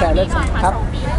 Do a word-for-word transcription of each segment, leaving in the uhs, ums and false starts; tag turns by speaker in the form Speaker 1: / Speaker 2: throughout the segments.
Speaker 1: ชร์เรื่องครับ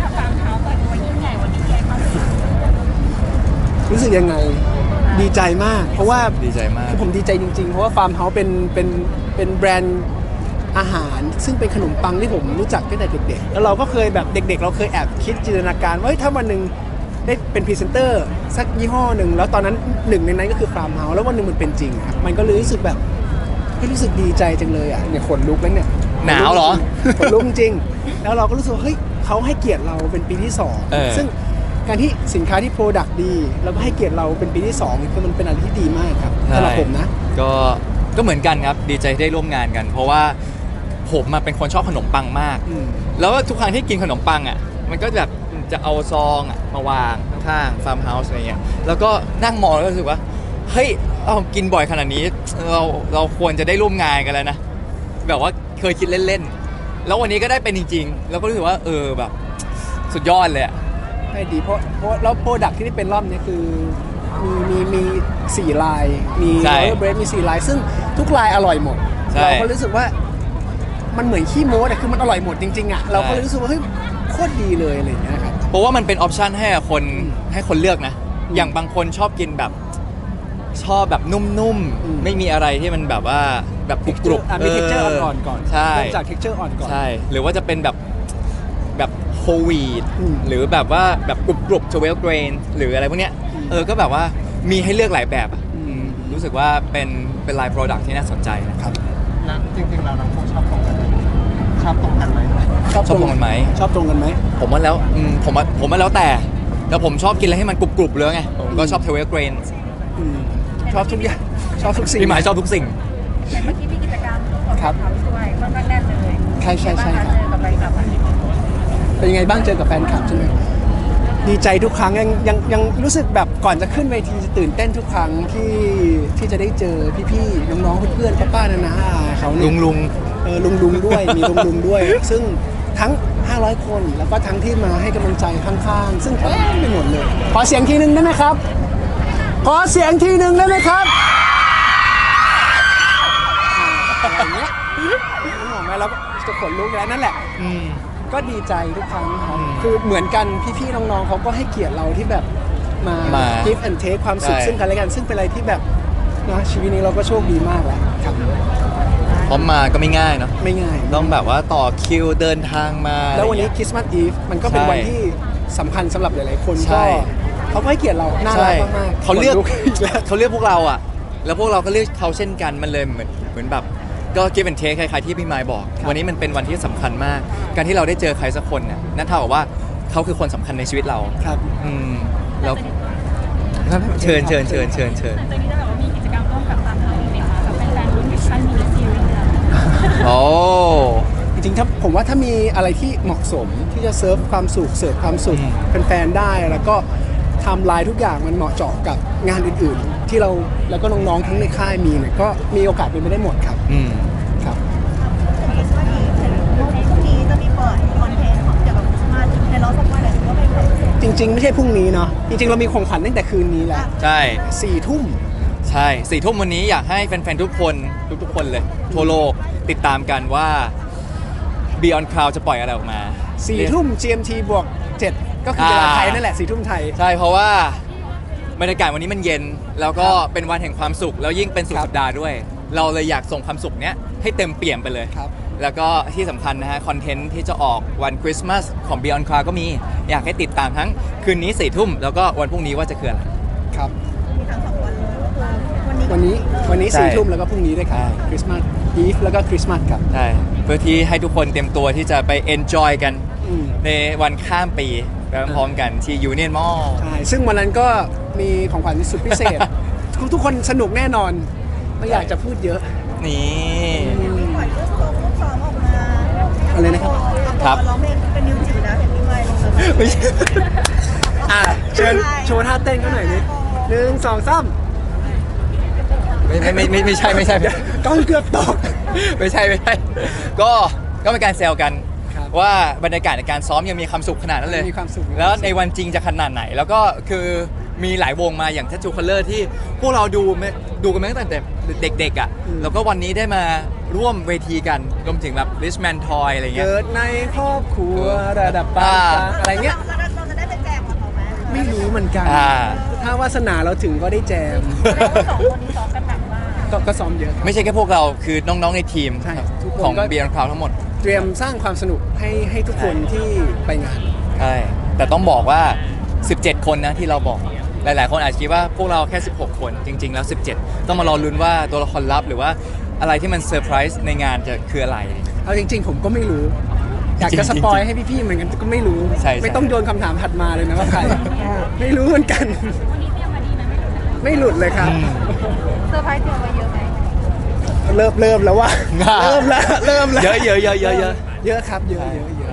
Speaker 1: รู้สึกยังไงดีใจมากเพราะว่า
Speaker 2: ดีใจมาก
Speaker 1: คือผมดีใจจริงๆเพราะว่าฟาร์มเฮาส์เป็นเป็นเป็นแบรนด์อาหารซึ่งเป็นขนมปังที่ผมรู้จักตั้งแต่เด็กๆแล้วเราก็เคยแบบเด็กๆเราเคยแอบคิดจินตนาการว่าถ้าวันหนึ่งได้เป็นพรีเซนเตอร์สักยี่ห้อหนึ่งแล้วตอนนั้นหนึ่งในนั้นก็คือฟาร์มเฮาส์แล้ววันหนึ่งมันเป็นจริงครับมันก็เลยรู้สึกแบบรู้สึกดีใจจังเลยอ่ะเนี่ยขนลุกแล้วเนี่ย
Speaker 2: หนาวเหรอ
Speaker 1: ขนลุกจริงแล้วเราก็รู้สึกเฮ้ยเขาให้เกียรติเราเป็นปีที่สองซึ่งการที่สินค้าที่โปรดักต์ดีแล้วก็ให้เกียรติเราเป็นปีที่สองคือมันเป็นอะไรที่ดีมากครับสำหรับผมนะ
Speaker 2: ก็ก็เหมือนกันครับดีใจที่ได้ร่วมงานกัน เพราะว่าผมมาเป็นคนชอบขนมปังมากแล้วทุกครั้งที่กินขนมปังอ่ะมันก็แบบจะเอาซองอ่ะมาวางข้างๆฟาร์มเฮาส์อะไรเงี้ยแล้วก็นั่งมองแล้วรู้สึกว่าเฮ้ยเรากินบ่อยขนาดนี้เราเราควรจะได้ร่วมงานกันแล้วนะแบบว่าเคยคิดเล่นๆแล้ววันนี้ก็ได้เป็นจริงๆแล้วก็รู้สึกว่าเออแบบสุดยอดเลย
Speaker 1: ให้ดีเพราะเพราะแล้วโปรดักที่ได้เป็นรอบนี้คือมีมีมีสี่ลายมีโรลเลอร์เบรดมีสี่ลายซึ่งทุกลายอร่อยหมดเราก็รู้สึกว่ามันเหมือนขี้โม้แต่คือมันอร่อยหมดจริงๆอ่ะเราก็รู้สึกว่าเฮ้ยโคตรดีเลยอะไรอย่างเงี้ยครับ
Speaker 2: เพราะว่ามันเป็นออปชันให้คนให้คนเลือกนะอย่างบางคนชอบกินแบบชอบแบบนุ่มๆไม่มีอะไรที่มันแบบว่าแบบกรุบ
Speaker 1: ๆมีเท็กเจอร์อ่อนๆก่อน
Speaker 2: ใช่
Speaker 1: จากเท็กเจอร์อ่อนก่อน
Speaker 2: ใช่หรือว่าจะเป็นแบบแบบโฮลวีทหรือแบบว่าแบบกรุบๆทเวลเกรนหรืออะไรพวกเนี้ยเออก็แบบว่ามีให้เลือกหลายแบบรู้สึกว่าเป็นเป็นไลน์โปรดักต์ที่น่าสนใจนะครับ
Speaker 3: แล้วจริงๆเราทั้งคู่ชอบตรงกันชอบตรงกันไหม
Speaker 2: ชอบตรงกันไหม
Speaker 1: ชอบตรงกันไหม
Speaker 2: ผมว่าแล้วผมว่าผมว่าแล้วแต่แต่ผมชอบกินอะไรให้มันกรุบๆเลยไงผมก็ชอบทเวลเกรน
Speaker 1: ชอบทุกอย่างชอบทุกสิ่ง
Speaker 2: พี่หมายชอบทุกสิ่ง
Speaker 4: แต่เมื่อกี้มีกิจกรรมครับช่วยค่อนข้างแน่นเลย
Speaker 1: ใช่ใช่ใช่ครับ
Speaker 4: เจอกับแฟนคลับ
Speaker 1: เป็นยังไงบ้างเจอกับแฟนคลับใช่ไหมดีใจทุกครั้งยังยังยังรู้สึกแบบก่อนจะขึ้นเวทีจะตื่นเต้นทุกครั้งที่ที่จะได้เจอพี่ๆน้องๆเพื่อนๆป้าๆนานาเขา
Speaker 2: ลุงลุง
Speaker 1: เออลุงลุงด้วยมีลุงลุงด้วยซึ่งทั้งห้าร้อยคนแล้วก็ทั้งที่มาให้กำลังใจข้างๆซึ่งเต็มไปหมดเลยขอเสียงทีนึงได้ไหมครับขอเสียงทีนึงได้ไหมครับอย่างเงี้ยน้องๆแม่เราก็จะขนลุกแล้วนั่นแหละก็ดีใจทุกครั้งครับคือเหมือนกันพี่ๆน้องๆเขาก็ให้เกียรติเราที่แบบมา give and take ความสุขซึ่งกันและกันซึ่งเป็นอะไรที่แบบนะชีวิตนี้เราก็โชคดีมากแล้วครับ
Speaker 2: พร้อมมาก็ไม่ง่ายเนาะ
Speaker 1: ไม่ง่าย
Speaker 2: ต้องแบบว่าต่อคิวเดินทางมา
Speaker 1: แล้ววันนี้คริสต์มาสอีฟมันก็เป็นวันที่สำคัญสำหรับหลายๆคนก็เขาให้เกียรติเราน่ารักมากๆ
Speaker 2: เขาเลือกเขาเลือกพวกเราอ่ะแล้วพวกเราก็เลือกเขาเช่นกันมันเลยเหมือนเหมือนแบบก็ give and take คล้ายๆที่พี่ไมค์บอกวันนี้มันเป็นวันที่สำคัญมากการที่เราได้เจอใครสักคนน่ะนั่นเท่ากับว่าเขาคือคนสำคัญในชีวิตเรา
Speaker 1: ครับ
Speaker 2: อืมแล้วเชิญเชิญเชิญเชิญเชิญ
Speaker 4: ตอนนี้จะแบบว่ามีกิจกรรมร่วมกับทางเราเนี่ยค่ะกับแฟนๆรุ่นมิชชั่นมินิซีรีส์
Speaker 2: โอ้
Speaker 1: จริงๆถ้าผมว่าถ้ามีอะไรที่เหมาะสมที่จะเซิร์ฟความสุขเสิร์ฟความสุขแฟนๆได้แล้วก็ทำลายทุกอย่างมันเหมาะเจาะกับงานอื่นๆที่เราแล้วก็น้องๆทั้งในค่ายมีเนี่ยก็มีโอกาสเป็นไปได้หมดครับ
Speaker 2: อืม
Speaker 1: ครับ
Speaker 4: พรุ่งนี้จะมีเปิดคอนเทนต์ของเกี่ยวกับมาในร้องสักวันอะไรก็ไม่เปิด
Speaker 1: จริงๆไม่ใช่พรุ่งนี้เนาะจริงๆเรามีของขวัญตั้งแต่คืนนี้แหละ
Speaker 2: ใช่
Speaker 1: สี่ทุ่ม
Speaker 2: ใช่สี่ทุ่มวันนี้อยากให้แฟนๆทุกคนทุกๆคนเลยทั่วโลกติดตามกันว่า Beyond Cloud จะปล่อยอะไรออกมา
Speaker 1: สี่ทุ่ม จี เอ็ม ที บวกเจ็ดก็คือเวลาไทยนั่นแหละสี่ทุ่มไทย
Speaker 2: ใช่เพราะว่าบรรยากาศวันนี้มันเย็นแล้วก็เป็นวันแห่งความสุขแล้วยิ่งเป็นสุดสัปดาห์ด้วยเราเลยอยากส่งความสุขเนี้ยให้เต็มเปี่ยมไปเลยแล้วก็ที่สำคัญนะฮะคอนเทนต์ที่จะออกวันคริสต์มาสของ Beyond Cloud ก็มีอยากให้ติดตามทั้งคืนนี้สี่ทุ่มแล้วก็วันพรุ่งนี้ว่าจะคืออะไร
Speaker 1: ครับ
Speaker 4: มีทั้งสองวันเลย
Speaker 1: วันนี้วันนี้สี่ทุ่มแล้วก็พรุ่งนี้ด้วยครับคริสต์มาสอีฟแล้วก็คริสต์มาสครับ
Speaker 2: ใช่เพื่อที่ให้ทุกคนเตรียมตัวที่จะไปเอนจอยกันในวันข้ามปีไปพร้อมกันที่ยูเนียนมอลล์
Speaker 1: ใช่ซึ่งวันนั้นก็มีของขวัญสุดพิเศษ ทุกคนสนุกแน่นอนไม่อยากจะพูดเยอะ
Speaker 2: นี่
Speaker 4: มีปล่อยรูปโซรูปซ้อมออกมา
Speaker 1: อะไรนะครับ
Speaker 2: ครับ
Speaker 4: ร้องเพลงเป็นนิวจิ๋วนะเห็นพี่ไมค์ลง
Speaker 1: เลยไม่ใช่อ่ะเชิญโชว์ท่าเต้นกันหน่อยนิดหนึ่งสองสาม
Speaker 2: ไม่ไม่ไม่ไม่ใช่ไม่ใช่
Speaker 1: ก้องเกือบตก
Speaker 2: ไม่ใช่ไม่ใช่ก็ก็เป็นการแซวกันว่าบรรยากาศในการซ้อมยังมีความสุขขนาดนั้นเลย
Speaker 1: มีความสุข
Speaker 2: แล้วในวันจริงจะขนาดไหนแล้วก็คือมีหลายวงมาอย่าง Tattoo Color ที่พวกเราดูดูกันมาตั้งแต่เด็กๆอ่ะแล้วก็วันนี้ได้มาร่วมเวทีกันรวมถึงแบบ Richman Toy อะไรเงี้ย
Speaker 1: เกิดในครอบครัวระดับปานกลางอะไรเงี้ย
Speaker 4: เราเราจะได้ไปแจมกับเขาไหม
Speaker 1: ไม่รู้เหมือนกัน
Speaker 2: อ่า
Speaker 1: ถ้าวาสนาเราถึงก็ได้แจม
Speaker 4: แสดงว่าสองคนนี้ซ้อมกันหนักมาก
Speaker 1: ก็ก็ซ้อมเยอะครับ
Speaker 2: ไม่ใช่แค่พวกเราคือน้องๆในทีม
Speaker 1: ใช่ทุกคน
Speaker 2: ของ
Speaker 1: ก็
Speaker 2: Beyond Cloud ทั้งหมด
Speaker 1: เตรียมสร้างความสนุกให้ให้ทุกคนที่ไปงาน
Speaker 2: ใช่ แต่ต้องบอกว่า สิบเจ็ด คนนะที่เราบอก หลายๆ คนอาจจะคิดว่าพวกเราแค่ สิบหก คน จริง ๆ แล้ว สิบเจ็ด ต้องมารอลุ้นว่าตัวละครลับหรือว่าอะไรที่มันเซอร์ไพรส์ในงานจะคืออะไร
Speaker 1: เอาจริง ๆ ผมก็ไม่รู้ อยากจะ
Speaker 2: จ
Speaker 1: ส
Speaker 2: ริงๆ
Speaker 1: ปอยให้พี่ๆเหมือนกันก็ไม่รู้
Speaker 2: ใช่ใช่
Speaker 1: ไม่ต้องโยนคำถามถัดมาเลยนะว่าใคร ไม่รู้เหมือนกัน ไม่หลุดเลยครับ
Speaker 4: เซอร์ไพรส์เตรียมไว้เยอะไหม
Speaker 1: เริ่มเริ่มแล้วว่า เริ่มแล้วเริ่มแล้ว
Speaker 2: เยอะเยอะเยอะเยอะเยอะ
Speaker 1: เยอะครับเยอะเยอะเยอะ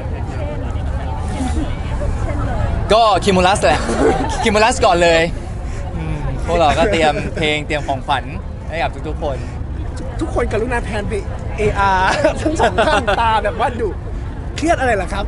Speaker 2: ก็คิมูลัสแหละ คิมูลัสก่อนเลยอืมพวกเราก็เตรียมเพลงเตรียมของขวัญให้กับทุกๆ คน
Speaker 1: ทุกคนกรุณาแพนไป เอ อาร์ ทั้งสองท่านตาแบบว่าดุเครียดอะไรล่ะครับ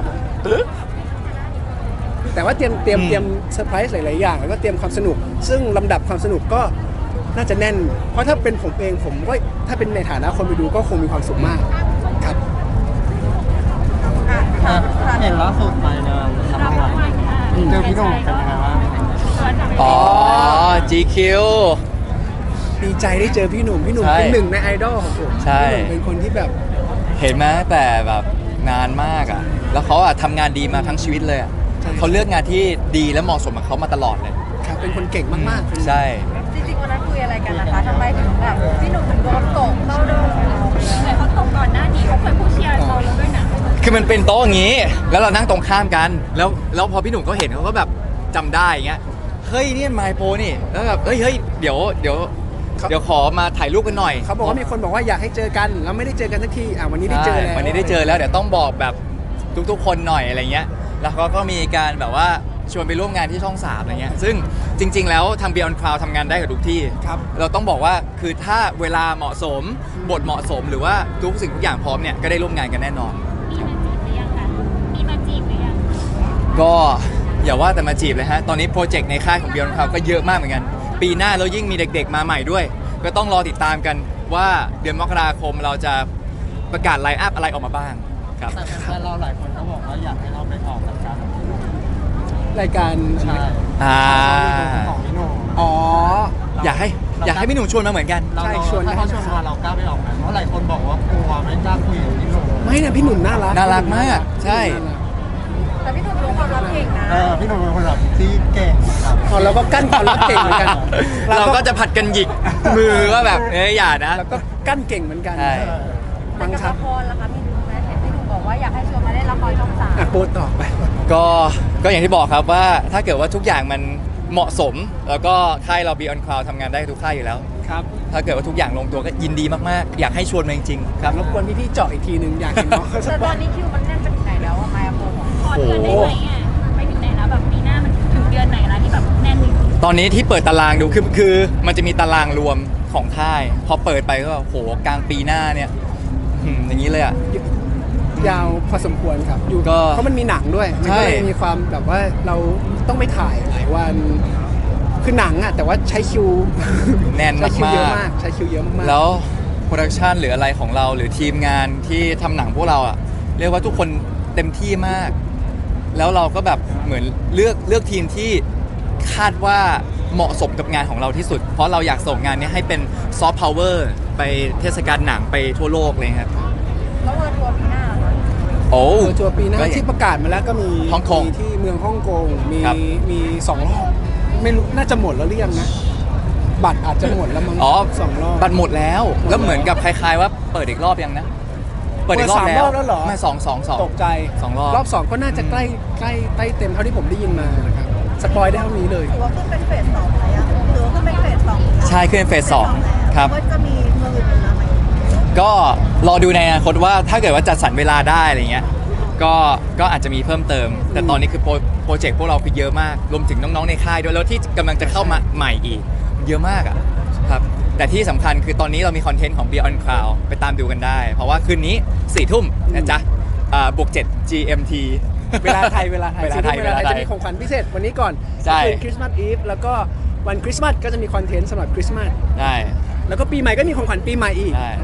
Speaker 1: แต่ว่าเตรียมเตรียม
Speaker 2: อืม
Speaker 1: เตรียมเซอร์ไพรส์หลาย ๆ อย่าง แล้วก็เตรียมความสนุก ซึ่งลำดับความสนุกก็น่าจะแน่น เพราะถ้าเป็นผมเองผมก็ถ้าเป็นในฐานะคนไปดูก็คงมีความสุขมากครับ
Speaker 4: อ่ะ
Speaker 3: อ่ะ
Speaker 4: ค่ะ
Speaker 3: เห็นล่าสุดไปงานทำอะไรเจอพี่หนุ่มเป็นยังไงบ้าง
Speaker 2: อ๋อ จี คิว
Speaker 1: ดีใจได้เจอพี่หนุ่ม พี่หนุ่ม
Speaker 2: ใช่
Speaker 1: เป็นหนึ่งในไอดอลของผม
Speaker 2: ใช่
Speaker 1: พี่หนุ่มเป็นคนที่แบบ
Speaker 2: เห็นไหมแต่แบบนานมากอ่ะ แล้วเขาอ่ะทำงานดีมาทั้งชีวิตเลยอ่ะ
Speaker 1: ใช่
Speaker 2: เขาเลือกงานที่ดีและเหมาะสมกับเขามาตลอดเลย
Speaker 1: ครับเป็นคนเก่งมากๆ
Speaker 2: ใช่
Speaker 4: จริงๆวันนั้นคุยอะไรกันนะคะทำไมถึงแบบพี่หนุ่มถึงโดนตกเข้าโดนแต่เขาตกก่อนหน้านี้เขาเคยพูดเชียร์เราแล้วด้วยนะ
Speaker 2: คือมันเป็นโต๊ะอย่างนี้ แล้วเรานั่งตรงข้ามกัน แล้วแล้วพอพี่หนุ่มเขาเห็นเขาก็แบบจำได้อย่างเงี้ย เฮ้ยนี่ไมโปนี่ แล้วแบบเฮ้ยเฮ้ยเดี๋ยวเดี๋ยว
Speaker 1: ครับ
Speaker 2: เดี๋ยวขอมาถ่ายรูปกันหน่อย
Speaker 1: เขาบอกว่ามีคนบอกว่าอยากให้เจอกันแล้วไม่ได้เจอกันสักทีอ่ะวันนี้ได้เจอแล้ว
Speaker 2: ใช่วันนี้ได้เจอแล้วเดี๋ยวต้องบอกแบบทุกๆ คนหน่อยอะไรเงี้ย แล้วเขาก็มีการแบบว่าชวนไปร่วมงานที่ช่องสามอะไรเงี้ย ซึ่งจริง ๆ แล้วทาง Beyond Cloud ทำงานได้กับทุกที่
Speaker 1: ครับ
Speaker 2: เราต้องบอกว่าคือถ้าเวลาเหมาะสม บทเหมาะสมหรือว่าทุกสิ่งทุกอย่างพร้อมเนี่ยก็ได้ร่วมงานกันแน่นอน
Speaker 5: มีมาจีบหรือยังคะมีมาจีบหรือยัง
Speaker 2: ก็อย่าว่าแต่มาจีบเลยฮะ ตอนนี้โปรเจกต์ในค่ายของ Beyond Cloud ก็เยอะมากเหมือนกัน ปีหน้าแล้วยิ่งมีเด็กๆมาใหม่ด้วย ก็ต้องรอติดตามกันว่าเดือนมกราคมเราจะประกาศไลน์อัพอะไรออกมาบ้างครับ
Speaker 3: แต่แฟนๆเราหลายคนก็บอกว่าอยากให้เราไปออกรายการของพี่หนุ่ม
Speaker 1: รายการ
Speaker 3: ใช่
Speaker 2: อ่า
Speaker 3: ของพี่หนุ่ม
Speaker 1: อ๋อ
Speaker 2: อยากให้อยากให้พี่หนุ่มชวนมาเหมือนกัน
Speaker 3: เรา
Speaker 1: ใช่
Speaker 3: เรา
Speaker 1: ชวน
Speaker 3: ถ้าเขาชวนมาเรากล้าไปออกไหมเพราะหลายคนบอกว่ากลัวไม่กล้าคุยกับพี่หนุ่ม
Speaker 1: ไม่นะพี่หนุ่มน่ารัก
Speaker 2: น่ารักมากใช่
Speaker 4: แต่พี่หนุ่มรู้ความลับเก่งนะ
Speaker 3: เออพี่หนุ่มเป็นคนแบบที่เก่งครับ
Speaker 1: อ๋อเราก็กั้นความรักเก่งเหมือนกัน
Speaker 2: เราก็จะผัดกันหยิกมือว่าแบบเอ้ยอย่านะ
Speaker 1: แล้วก็กั้นเก่งเหมือนกัน
Speaker 2: ใช่
Speaker 4: แต่
Speaker 1: มั้ง
Speaker 4: กับ
Speaker 1: ครับ
Speaker 4: ละครล่ะคะมีดูไหมเห็นพี่หนุ่มบอกว่าอยากให้ชวนมาเล่นละครช่องสาม
Speaker 1: อ่ะโปรต่อไป
Speaker 2: ก็ก็อย่างที่บอกครับว่าถ้าเกิดว่าทุกอย่างมันเหมาะสม แล้วก็ค่ายเรา Beyond Cloud ทำงานได้ทุกค่ายอยู่แล้ว
Speaker 1: ครับ
Speaker 2: ถ้าเกิดว่าทุกอย่างลงตัวก็ยินดีมากๆ อยากให้ชวนมาจริงๆครับ
Speaker 1: รบกวนพี่ๆเจาะอีกทีหนึ่งอยากเห็นน้องเขาสั
Speaker 4: แต่
Speaker 1: ก
Speaker 4: ต
Speaker 1: วั
Speaker 4: อน
Speaker 1: น
Speaker 4: นี้คิวมันแน่นไปถึงไหนแล้วอะไมอาโปของ
Speaker 5: ขอเดือนได้ไหมอ่ะไปถึงไหนแล้วแบบปีหน้ามันถึงเดือนไหนแล้วที่แบบแน่นจริง
Speaker 2: ตอนนี้ที่เปิดตารางดูคือคือมันจะมีตารางรวมของค่าย พอเปิดไปก็โหกลางปีหน้าเนี่ยหืมอย่างนี้เลยอ่ะ
Speaker 1: ยาวพอสมควรครับอยู่
Speaker 2: ก็
Speaker 1: เพราะมันมีหนังด้วย มัน
Speaker 2: ใช่
Speaker 1: ก็เลยมีความแบบว่าเราต้องไปถ่ายหลายวัน คือหนังอ่ะแต่ว่าใช้คิว
Speaker 2: แน่น
Speaker 1: ใช้คิวเยอะ
Speaker 2: มาก
Speaker 1: มาก ใช้คิวเยอะมาก
Speaker 2: ๆ
Speaker 1: ๆ
Speaker 2: แล้วโปรดักชันหรืออะไรของเราหรือทีมงานที่ทำหนังพวกเราอ่ะเรียกว่าทุกคนเต็มที่มาก แล้วเราก็แบบเหมือนเลือกเลือกทีมที่คาดว่าเหมาะสมกับงานของเราที่สุด เพราะเราอยากส่งงานนี้ให้เป็นซอฟต์พาวเวอร์ไปเทศกาลหนังไปทั่วโลกเลยครับ
Speaker 4: แล้วเวอร์ทัวร์ปีหน้าเหรอคะ
Speaker 2: โอ้
Speaker 1: เออทัวร์ปีหน้า
Speaker 2: ก็
Speaker 1: ที่ประกาศมาแล้วก็มี
Speaker 2: ฮ่องกง
Speaker 1: มีที่เมืองฮ่องกงมี
Speaker 2: ครับ
Speaker 1: มีสองรอบไม่รู้น่าจะหมดแล้วหรือยังนะ บัตรอาจจะหมดแล้วมั้ง
Speaker 2: อ๋อ
Speaker 1: สองรอบ
Speaker 2: บัตรหมดแล้ว แล้วเหมือนกับคล้ายๆว่าเปิดอีกรอบยังนะ เปิดอีกรอบ
Speaker 1: เปิดสาม
Speaker 2: แล้ว
Speaker 1: รอบแล้วเหรอ
Speaker 2: ไม่สองสองสอง
Speaker 1: ตกใจ
Speaker 2: สองรอบ
Speaker 1: รอบสองก็น่าจะใกล้ใกล้ใกล้เต็มเท่าที่ผมได้ยินมานะครับสปอยได้เท่านี้เลย
Speaker 4: ถือว่าขึ้นเป็นเฟสสองไหมอะถือว่าขึ้นเป็นเฟสสอง
Speaker 2: ใช่ขึ้นเป็นเฟสสองครับ
Speaker 4: ว่าจะมีเมืองอื่นๆมาไหม
Speaker 2: ก็รอดูในอนาคตว่าถ้าเกิดว่าจัดสรรเวลาได้อะไรเงี้ย ก็ก็อาจจะมีเพิ่มเติม แต่ตอนนี้คือโปรโปรเจกต์พวกเราคือเยอะมาก รวมถึงน้องๆในค่ายด้วย แล้วที่กำลังจะเข้ามาใหม่อีก เยอะมากอ่ะครับ แต่ที่สำคัญคือตอนนี้เรามีคอนเทนต์ของ Beyond Cloud ไปตามดูกันได้ เพราะว่าคืนนี้สี่ทุ่มนะจ๊ะอ่าบวกเจ็ด จี เอ็ม ที
Speaker 1: เวลาไทยเวลาไทย
Speaker 2: เวลาไทย
Speaker 1: เวลาไทย
Speaker 2: เวลาไทย
Speaker 1: จะมีของขวัญพิเศษวันนี้ก่อน
Speaker 2: ใช่
Speaker 1: คืนคริสต์มาสอีฟแล้วก็วันคริสต์มาสก็จะมีคอนเทนต์สำหรับคริสต์มาส
Speaker 2: ได้
Speaker 1: แล้วก็ปีใหม่ก็มีของขวัญปีใหม่อีก
Speaker 2: ใช่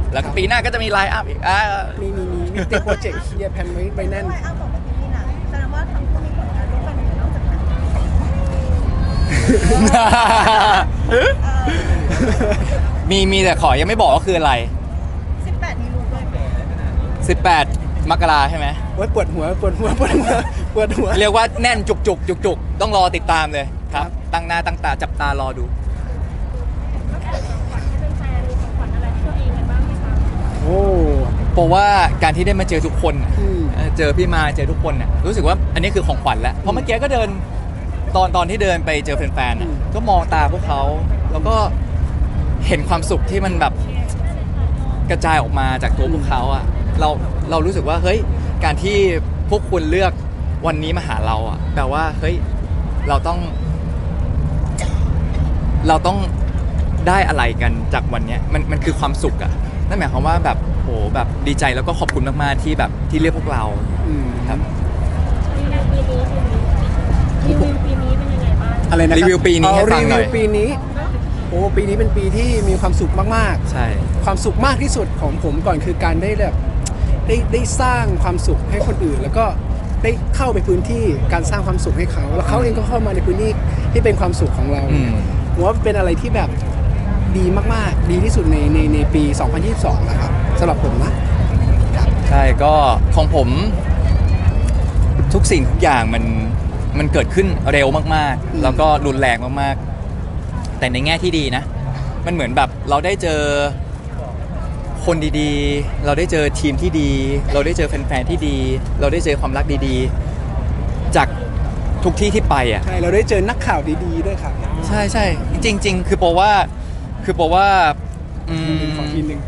Speaker 2: แล้วก็ปีหน้าก็จะมีไลน์อัพอีกอ่า
Speaker 1: มีมีมีมีติดโปรเจกต์เยียร์แพนไว้ไว้แน่น
Speaker 4: ทำไมอ้ำบอกว่าพี่นะแสดงว่าทั้งคู่มีผลงานร่วมกันอยู่นอกจากหนังเออ
Speaker 2: มีมีแต่ขอยังไม่บอกว่าคืออะไร
Speaker 4: สิบแปดมีรู้ด้วยไหม
Speaker 2: สิบแปด มกราใช่ไหม
Speaker 1: โอ้ยปวดหัวปวดหัวปวดหัวปวดหัว
Speaker 2: เรียกว่าแน่นจุกจุกจุกจุกๆต้องรอติดตามเลยครับ ตั้งหน้าตั้งตาจับตารอดู
Speaker 1: โอ้
Speaker 2: เพราะว่าการที่ได้มาเจอทุกคนน่ะ
Speaker 1: อืม
Speaker 2: เออเจอพี่มาเจอทุกคนน่ะรู้สึกว่าอันนี้คือของขวัญแล้วเพราะเมื่อกี้ก็เดินตอนตอนที่เดินไปเจอแฟนๆน่ะก็มองตาพวกเขาแล้วก็เห็นความสุขที่มันแบบกระจายออกมาจากตัวพวกเขาอ่ะเราเรารู้สึกว่าเฮ้ยการที่พวกคุณเลือกวันนี้มาหาเราอ่ะแปลว่าเฮ้ยเราต้อง เราต้องได้อะไรกันจากวันเนี้ยมันมันคือความสุขอะนั่นหมายความว่าแบบโหแบบดีใจแล้วก็ขอบคุณมากๆที่แบบที่เรียกพวกเรา
Speaker 1: อืม
Speaker 2: ครับ
Speaker 5: รีวิวปีนี้เป็นยังไงบ้าง
Speaker 1: อะไรนะครับ
Speaker 2: รีวิวปีนี้ให้ฟังหน่อย
Speaker 1: รีวิวปีนี้โอ้ปีนี้เป็นปีที่มีความสุขมาก
Speaker 2: ใช่
Speaker 1: ๆ ความสุขมากที่สุดของผมก่อนคือการได้แบบได้ได้สร้างความสุขให้คนอื่น แล้วก็ได้เข้าไปพื้นที่การสร้างความสุขให้เขาแล้วเขาเองก็เข้ามาในพื้นที่ที่เป็นความสุขของเรา
Speaker 2: อืม
Speaker 1: ผมว่าเป็นอะไรที่แบบดีมากๆ ดีที่สุดในในในปี สองพันยี่สิบสอง นะครับสำหรับผมนะ
Speaker 2: ใช่ก็ของผมทุกสิ่งทุกอย่างมันมันเกิดขึ้นเร็วมาก
Speaker 1: อืม
Speaker 2: ๆ แล้วก็รุนแรงมากๆ แต่ในแง่ที่ดีนะ มันเหมือนแบบเราได้เจอคนดีๆ เราได้เจอทีมที่ดี เราได้เจอแฟนๆที่ดี เราได้เจอความรักดีๆ จากทุกที่ที่ไปอ่ะ
Speaker 1: ใช่เราได้เจอนักข่าวดีๆด้วยครับ
Speaker 2: ใช่ใช่จริง ๆ คือโปรว่าคือโปรว่าอืม
Speaker 1: ขอทีหนึ่ง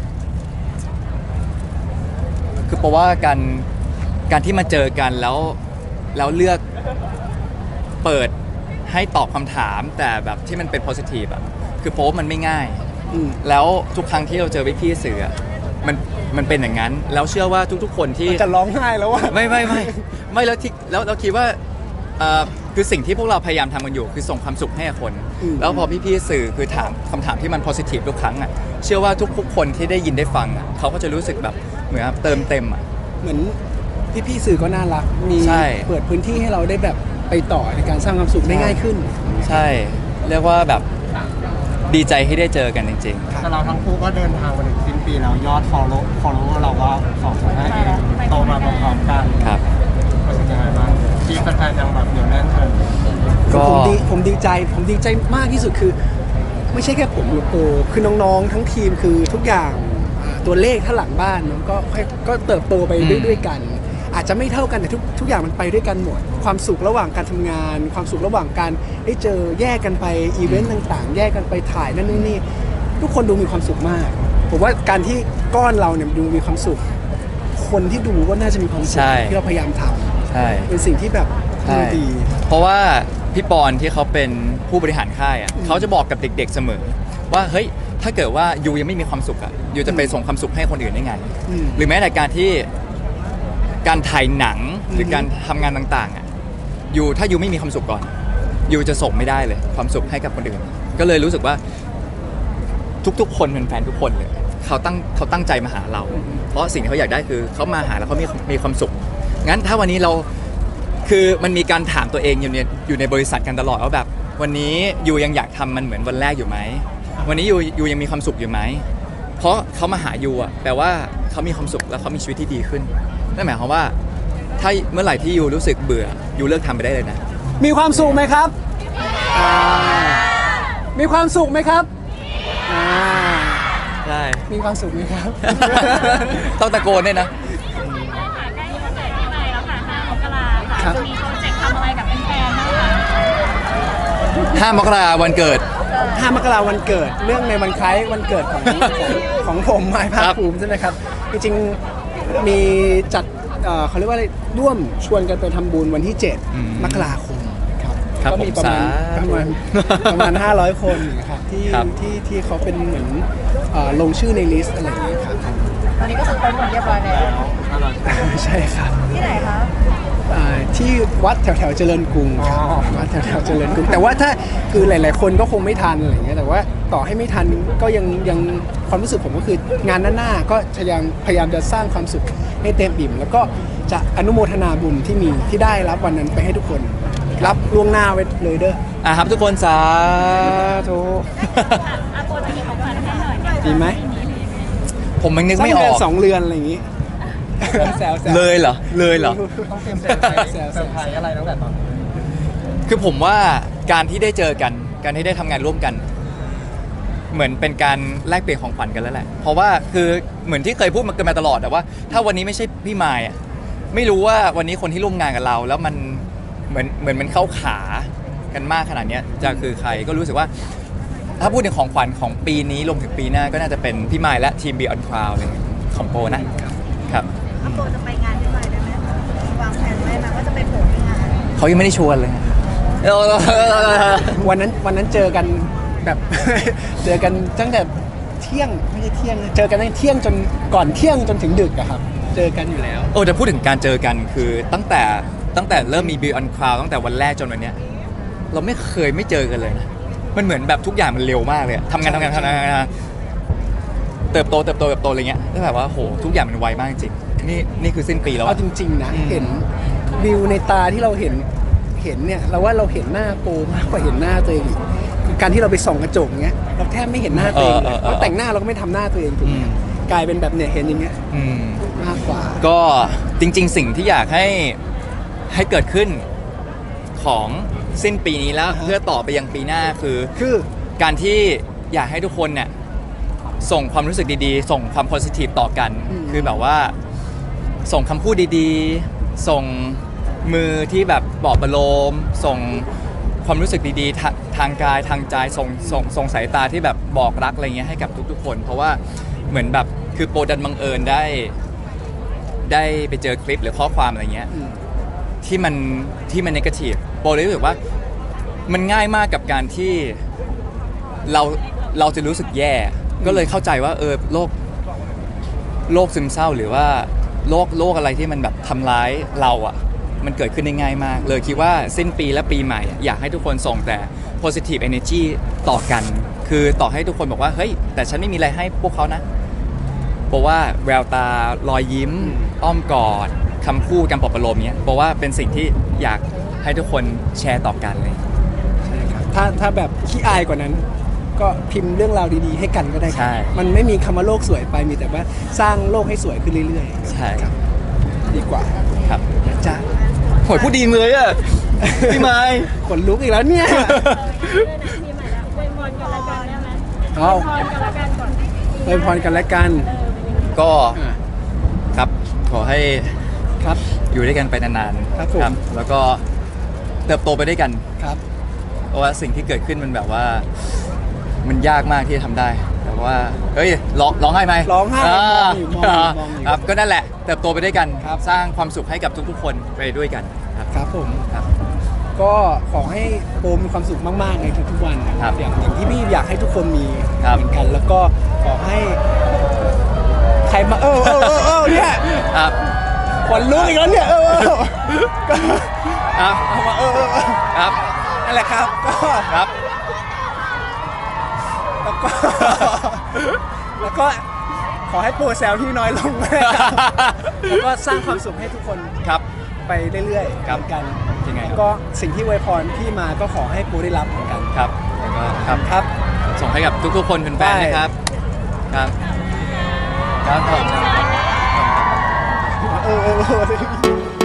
Speaker 2: คือโปรว่าการการที่มาเจอกันแล้วแล้วเลือกเปิดให้ตอบคำถามแต่แบบที่มันเป็น positive อ่ะคือโปรว่ามันไม่ง่าย
Speaker 1: อืม
Speaker 2: แล้วทุกครั้งที่เราเจอพี่ๆสื่ออะมันมันเป็นอย่างนั้น แล้วเชื่อว่าทุกๆคนที่
Speaker 1: จะร้องไห้แล้วว่า
Speaker 2: ไม่ไม่ไม่ไม่แล้วที่แล้วเราคิดว่าเอ่อคือสิ่งที่พวกเราพยายามทำกันอยู่คือส่งความสุขให้กับคน
Speaker 1: อืม
Speaker 2: แล้วพอพี่ๆสื่อคือถามคำถามที่มัน positive ทุกครั้งอ่ะเชื่อว่าทุกๆคนที่ได้ยินได้ฟังอ่ะเขาก็จะรู้สึกแบบเหมือนเติมเต็มอ่ะ
Speaker 1: เหมือนพี่ๆสื่อก็น่ารัก มี
Speaker 2: ใช่
Speaker 1: เปิดพื้นที่ให้เราได้แบบไปต่อในการสร้างความสุขได้ง่ายขึ้น
Speaker 2: ใช่ เรียกว่าแบบดีใจที่ได้เจอกันจริง
Speaker 3: แต่เราทั้งคู่ก็เดินทางมาถึงสิ้นปีแล้วยอด follow follower เราก็สองแสนห้าเองโตมาพร้อมๆกัน
Speaker 2: ๆ ครับ
Speaker 3: รู้สึกยังไงบ้างทีมแฟนๆยังแบบเหนียวแน่นเลย
Speaker 2: ก็
Speaker 1: ผมดีผมดีใจผมดีใจมากที่สุดคือ ไม่ใช่แค่ผมหรือโปคือน้องๆ ทั้งทีมคือทุกอย่างอ่าตัวเลขถ้าหลังบ้านมันก็ค่อยก็เติบโตไปด้วยด้วยกัน อาจจะไม่เท่ากันแต่ทุกทุกอย่างมันไปด้วยกันหมด ความสุขระหว่างการทำงาน ความสุขระหว่างการได้เจอแยกกันไปอีเวนต์ต่างๆ แยกกันไปถ่ายนั่นนู่นนี่ทุกคนดูมีความสุขมาก ผมว่าการที่ก้อนเราเนี่ยดูมีความสุข คนที่ดูก็น่าจะมีความสุข
Speaker 2: ใช่
Speaker 1: ที่เราพยายามทำ
Speaker 2: ใช่
Speaker 1: เป็นสิ่งที่แบบ
Speaker 2: ใช่
Speaker 1: ดี
Speaker 2: เพราะว่าพี่ปอนที่เขาเป็นผู้บริหารค่ายอ่ะ
Speaker 1: อืม
Speaker 2: เขาจะบอกกับเด็กๆเสมอ ว่าเฮ้ยถ้าเกิดว่ายูยังไม่มีความสุขอ่ะยูจะไปส่งความสุขให้คนอื่นได้ไง
Speaker 1: อืม
Speaker 2: หรือแม้แต่การที่การถ่ายหนังหรือ
Speaker 1: ม
Speaker 2: การทำงานต่างๆอ่ะยูถ้ายูไม่มีความสุขก่อนยูจะส่งไม่ได้เลย ความสุขให้กับคนอื่น ก็เลยรู้สึกว่าทุกๆ คนเป็นแฟนทุกคนเลยเขาตั้งเขาตั้งใจมาหาเรา เพราะสิ่งที่เขาอยากได้คือเขามาหาแล้วเขามีมีความสุขงั้นถ้าวันนี้เรา คือมันมีการถามตัวเองอยู่ในอยู่ในบริษัทกันตลอดว่าแบบ วันนี้ยูยังอยากทำมันเหมือนวันแรกอยู่ไหมวันนี้ยูยูยังมีความสุขอยู่ไหมเพราะเขามาหายูอ่ะแปลว่าเขามีความสุขแล้วเขามีชีวิตที่ดีขึ้นนั่นหมายความว่า ถ้าเมื่อไหร่ที่ยูรู้สึกเบื่อยูเลิกทำไปได้เลยนะ
Speaker 1: มีความสุขไหมครับอ่ามีความสุขไหมครับอ่า
Speaker 2: ใช่
Speaker 1: มีความสุขไหมครับ
Speaker 2: ต้องตะโกนด้วยนะ
Speaker 5: ได้ค่ะใกล้วันเกิดปีใหม่แล้วค่ะห้ามกราค่ะ
Speaker 1: ครับ
Speaker 5: จะมีโปรเจกต์ทำอะไรกับแฟนๆบ้างคะ
Speaker 2: ห้ามกราวันเกิด
Speaker 1: ห้ามกราวันเกิดเรื่องในวันคล้ายวันเกิดของ ของของผมไม้ภาคภูมิใช่ไหมครับ จริงๆมีจัดเอ่อเขาเรียกว่าอะไรร่วมชวนกันไปทำบุญวันที่ เจ็ด
Speaker 2: อืม
Speaker 1: มกราคมครับ
Speaker 2: ครับ
Speaker 1: ก็มีประมาณ
Speaker 2: ผมสาธุ
Speaker 1: ประมาณประมาณ ห้าร้อย คนนะครับที่
Speaker 2: ครับ
Speaker 1: ที่ที่เขาเป็นเหมือนเอ่อลงชื่อในลิสต์อะไรอย่างเงี้ยครับ
Speaker 4: ตอนนี้ก็คือเต็มหมดเรียบร้อยแล้ว
Speaker 1: ใช่ครับ
Speaker 4: ที่ไหนคะ
Speaker 1: อ่าที่วัดแถวแถวๆเจริญกรุงครับวัดแถวแถวๆเจริญกรุงแต่ว่าถ้าคือหลาย ๆ คนก็คงไม่ทันอะไรเงี้ยแต่ว่าต่อให้ไม่ทันก็ยังยังความรู้สึกผมก็คืองานหน้าๆก็พยายามพยายามจะสร้างความสุขให้เต็มอิ่มแล้วก็จะอนุโมทนาบุญที่มีที่ได้รับวันนั้นไปให้ทุกคน รับล่วงหน้าไว้เลยเด้อ
Speaker 2: อ่ะครับทุกคนสาธุ
Speaker 5: อาโปจะมีของขวัญให้หน่อย
Speaker 1: ดีไหม
Speaker 2: ผมมันนึก
Speaker 1: สัก
Speaker 2: ไม่อ
Speaker 1: เดื
Speaker 2: อ
Speaker 1: อน
Speaker 2: ก
Speaker 1: สองเรือนอะไรอย่างงี้แซวๆ
Speaker 2: เลยเหรอเลยเหรอ
Speaker 3: ต้องเตรียมเซอร์ไพรส์เซอร์ไพรส์อะไรตั้งแต่ตอนนี้
Speaker 2: คือผมว่าการที่ได้เจอกัน การที่ได้ทำงานร่วมกัน เหมือนเป็นการแลกเปลี่ยนของขวัญกันแล้วแหละ เพราะว่าคือเหมือนที่เคยพูดมากันมาตลอดแต่ว่า ถ้าวันนี้ไม่ใช่พี่มายอ่ะไม่รู้ว่าวันนี้คนที่ร่วมงานกับเรา แล้วมันเหมือนเหมือนมันเข้าขากันมากขนาดเนี้ยจะคือใครก็รู้สึกว่า ถ้าพูดถึงของขวัญของปีนี้รวมถึงปีหน้าก็น่าจะเป็นพี่มายและทีม Beyond Cloud เลยของโปรนะครับ
Speaker 4: อาโปจะไปงานที่ไหนได้ไหมคะวางแผนไว้ไหมว่าจะไปโผล่ที่งาน
Speaker 2: เขายังไม่ได้ชวนเลย
Speaker 1: วันนั้นวันนั้นเจอกันแบบ เจอกันตั้งแต่เที่ยงไม่ใช่เที่ยงนะเจอกันตั้งแต่เที่ยงจนก่อนเที่ยงจนถึงดึกอะครับ เจอกันอยู่แล้ว
Speaker 2: โอ้แต่พูดถึงการเจอกันคือตั้งแต่ตั้งแต่เริ่มมี Beyond Cloud ตั้งแต่วันแรกจนวันเนี้ยเราไม่เคยไม่เจอกันเลยนะมันเหมือนแบบทุกอย่างมันเร็วมากเลยอะทำงานทำงานทำงานทำงานเติบโตเติบโตเติบโตอะไรเงี้ยแล้วแบบว่าโหทุกอย่างมันไวมากจริงนี่นี่คือสิ้นปีแล้ว
Speaker 1: เอา
Speaker 2: อะ
Speaker 1: จริงๆนะ
Speaker 2: อืม
Speaker 1: เห็นวิวในตาที่เราเห็นเห็นเนี่ยเราว่าเราเห็นหน้าโปมากกว่าเห็นหน้าตัวเองอีกคือการที่เราไปส่องกระจกเงี้ยเราแทบไม่เห็นหน้าตัวเองเลยเราแต่งหน้าเราก็ไม่ทำหน้าตัวเองถูกไหมกลายเป็นแบบเนี่ยเห็นอย่างเงี้ย
Speaker 2: อืม
Speaker 1: มากกว่า
Speaker 2: ก็จริง ๆ สิ่งที่อยากให้ให้เกิดขึ้นของสิ้นปีนี้แล้ว
Speaker 1: อ่าฮะ
Speaker 2: เพื่อต่อไปยังปีหน้าคือ
Speaker 1: คือ
Speaker 2: การที่อยากให้ทุกคนเนี่ยส่งความรู้สึกดีๆ ส่งความโพสิทีฟต่อกัน คือแบบว่าส่งคำพูดดีๆ ส่งมือที่แบบปลอบประโลม ส่งความรู้สึกดีๆทาทางกายทางใจส่งส่งส่งสายตาที่แบบบอกรักอะไรเงี้ยให้กับทุกๆ คน เพราะว่าเหมือนแบบคือโปรดันบังเอิญได้ ได้ไปเจอคลิปหรือข้อความอะไรเงี้ย
Speaker 1: อืม
Speaker 2: ที่มันที่มันนกาทีฟโปรเลยรู้สึกว่ามันง่ายมากกับการที่เราเราจะรู้สึกแย่ ก็เลยเข้าใจว่าเออโรคโรคซึมเศร้าหรือว่าโรคโรคอะไรที่มันแบบทำร้ายเราอ่ะมันเกิดขึ้นได้ง่ายมาก เลยคิดว่าสิ้นปีและปีใหม่อะอยากให้ทุกคนส่งแต่ positive energy ต่อกัน คือต่อให้ทุกคนบอกว่าเฮ้ยแต่ฉันไม่มีอะไรให้พวกเขานะเพราะว่าแววตารอยยิ้ม อ้อมกอดคำพูดการปลอบประโลมเนี้ยเพราะว่าเป็นสิ่งที่อยากให้ทุกคนแชร์ต่อกันเลย
Speaker 1: ใช่ครับถ้าถ้าแบบขี้อายกว่านั้น ก็พิมพ์เรื่องราวดีๆ ให้กันก็ได้ครับ
Speaker 2: ใช่
Speaker 1: มันไม่มีคำว่าโลกสวยไปมีแต่ว่าสร้างโลกให้สวยขึ้นเรื่อยๆ
Speaker 2: ใช่
Speaker 1: ครับดีกว่า
Speaker 2: ครับ
Speaker 1: นะจ๊ะ
Speaker 2: โหยพูดดีเลยอ่ะ พี่ไม้
Speaker 1: ขนลุกอีกแล้วเนี่ย
Speaker 5: ปีใหม่แล้วอวยพรกันละกันได้ไหม
Speaker 1: เอา
Speaker 5: พรกันละกันก่อน
Speaker 1: อวยพรกันและกัน
Speaker 2: ก็
Speaker 1: อ่ะ
Speaker 2: ครับขอให้
Speaker 1: ครับ
Speaker 2: อยู่ด้วยกันไปนานๆ
Speaker 1: ครับผม
Speaker 2: แล้วก็เติบโตไปด้วยกัน
Speaker 1: ครับ
Speaker 2: เพราะว่าสิ่งที่เกิดขึ้นมันแบบว่า มันยากมากที่จะทำได้ แต่ว่าเฮ้ยร้องร้องไห้ไหม
Speaker 1: ร้องไห้
Speaker 2: าม
Speaker 1: องอยู่มองอยู่มองอยู่
Speaker 2: ครับก็นั่นแหละเติบโตไปด้วยกัน
Speaker 1: ครับ
Speaker 2: สร้างความสุขให้กับทุกๆ คนไปด้วยกันครับ
Speaker 1: ครับผม
Speaker 2: ครับ
Speaker 1: ก็ขอให้โปมมีความสุขมากๆในทุกๆวันนะค
Speaker 2: ครั
Speaker 1: รับบ อย่างอย่างที่พี่อยากให้ทุกคนมี
Speaker 2: ครับ
Speaker 1: เหมือนกัน แล้วก็ขอให้ใครมาเออเออเออเออเนี่ย
Speaker 2: ครับ
Speaker 1: ขนลุกอีกแล้วเนี่ยเออเออก็
Speaker 2: ครับ
Speaker 1: เอามาเออเออเออ
Speaker 2: ครับ
Speaker 1: นั่นแหละครับก็
Speaker 2: ครับ
Speaker 1: แล้วก็ แล้วก็ขอให้โปรแซลที่น้อยลงนะครับแล้วก็สร้างความสุขให้ทุกคน
Speaker 2: ครับ
Speaker 1: ไปเรื่อยๆ
Speaker 2: ครับ
Speaker 1: เหมือนกัน
Speaker 2: ยังไงครับ
Speaker 1: ก็สิ่งที่อวยพรพี่มาก็ขอให้โปรได้รับเหมือนกัน
Speaker 2: ครับแล้วก็ครับ
Speaker 1: ครับ
Speaker 2: ส่งให้กับทุกๆ คนเป็นแฟนๆนะครับ ครับ ครับผม
Speaker 1: เออเออเออ